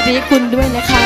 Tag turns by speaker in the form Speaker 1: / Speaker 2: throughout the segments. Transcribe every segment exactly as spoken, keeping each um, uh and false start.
Speaker 1: ดีคุณด้วยนะคะ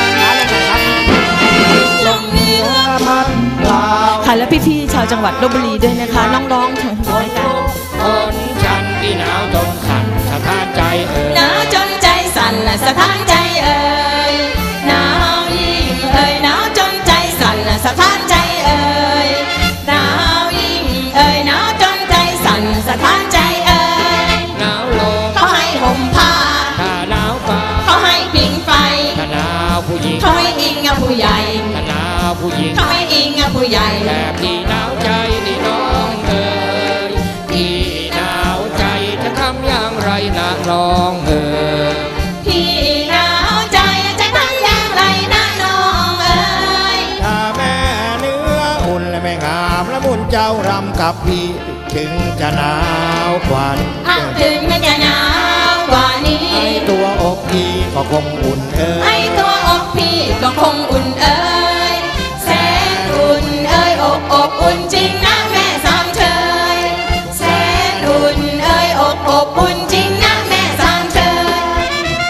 Speaker 2: ลมเหนือพัดเปล่า
Speaker 1: ค่ะและพี่ๆชาวจังหวัดลพบุรีด้วยนะคะน้องๆทั้งหมดกัน
Speaker 2: คนฉันที่หนาวจนสั่นสะท้านใจเอ่ย
Speaker 1: หนาวจนใจสั่นและสะท้านใจเอ่ยหนาวยิ่งเอ่ยหนาวจนใจสั่นและสะท้านใจเอ่ยหนาวยิ่งเอ่ยหนาวจนใจสั่นสะท้านใจเอ่ย
Speaker 2: หนาวลม
Speaker 1: เขาให้ห่มผ้า
Speaker 2: ถ้าหนาวฟ้า
Speaker 1: เขาให้ผิงไฟ
Speaker 2: ถ้าหนาวผู้หญิง
Speaker 1: เขาให้อิงกับผู้ใหญ่
Speaker 2: ถ้าหนาวผู้หญิง
Speaker 1: เขาให้อิงกับผู้ใหญ่
Speaker 2: แต่พี่หนาวใจนี่น้องเอ๋ยพี่หนาวใจจะทำอย่างไรนะน้องเอ๋ย
Speaker 1: พี่หนาวใจจะทำอย่างไรนะน้องเอ๋ย
Speaker 2: ถ้าแม่เนื้ออุ่นและแม่งามและมุนเจ้ารำกับพี่ถึงจะหนาวกว่านี้
Speaker 1: ถึงจะหนาวกว่านี้
Speaker 2: ไอตัวอกพี่ก็คงอุ่นเอ๋ย
Speaker 1: ไอตัวอกพี่ก็คงอุ่นเอ๋ยแสนอุ่นเอ๋ยอกอกอุ่นจริงนะแม่สามเชยแสนอุ่นเอ๋ยอกอกอุ่นจริงนะแม่สามเชย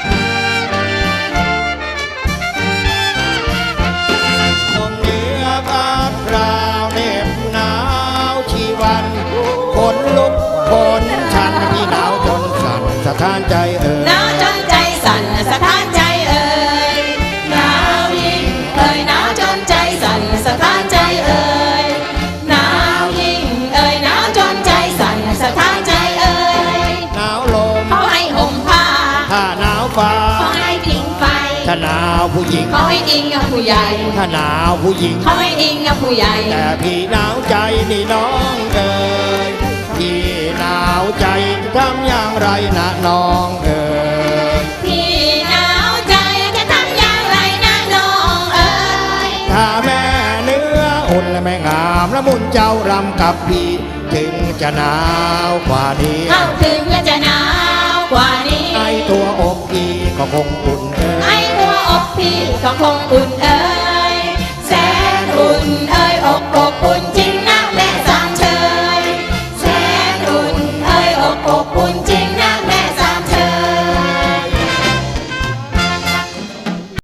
Speaker 2: ลมเหนือพัดราวเหน็บหนาวชีวันคนลุกคนฉันพี่หนาวจนสั่นสะท้านใจเอ่ย
Speaker 1: หนาวจนใจสั่นสะท้านใจเอ่ยหนาวยิ่งเอ่ยหนาวจนใจสั่นสะท้านใจเอ่ยหนาวยิ่งเอ่ยหนาวจนใจสั่นสะท้านใจเอ่ย
Speaker 2: หนาวลม
Speaker 1: เขาให้ห่มผ้า
Speaker 2: ถ้าหนาวฟ้า
Speaker 1: เขาให้ผิงไฟ
Speaker 2: ถ้าหนาวผู้หญิง
Speaker 1: เขาให้อิงกับผู้ใหญ่
Speaker 2: ถ้าหนาวผู้หญิง
Speaker 1: เขาให้อิงกับผู้ใหญ่
Speaker 2: แต่พี่หนาวใจนี่น้องเอ๋ยพี่หนาวใจทำอย่างไรนะน้องเอ๋ย
Speaker 1: พี่หนาวใจจะทำอย่างไรนะน้องเอ๋ย
Speaker 2: ถ้าแม่เนื้ออุ่นและแม่งามและมุนเจ้ารำกับพี่ถึงจะหนาวกว่านี้
Speaker 1: เอาถึงจะหนาวกว่านี้
Speaker 2: ไอตัวอกพี่ก็คงอุ่นเอ๋ย
Speaker 1: ไอตัวอกพี่ก็คงอุ่นเอ๋ย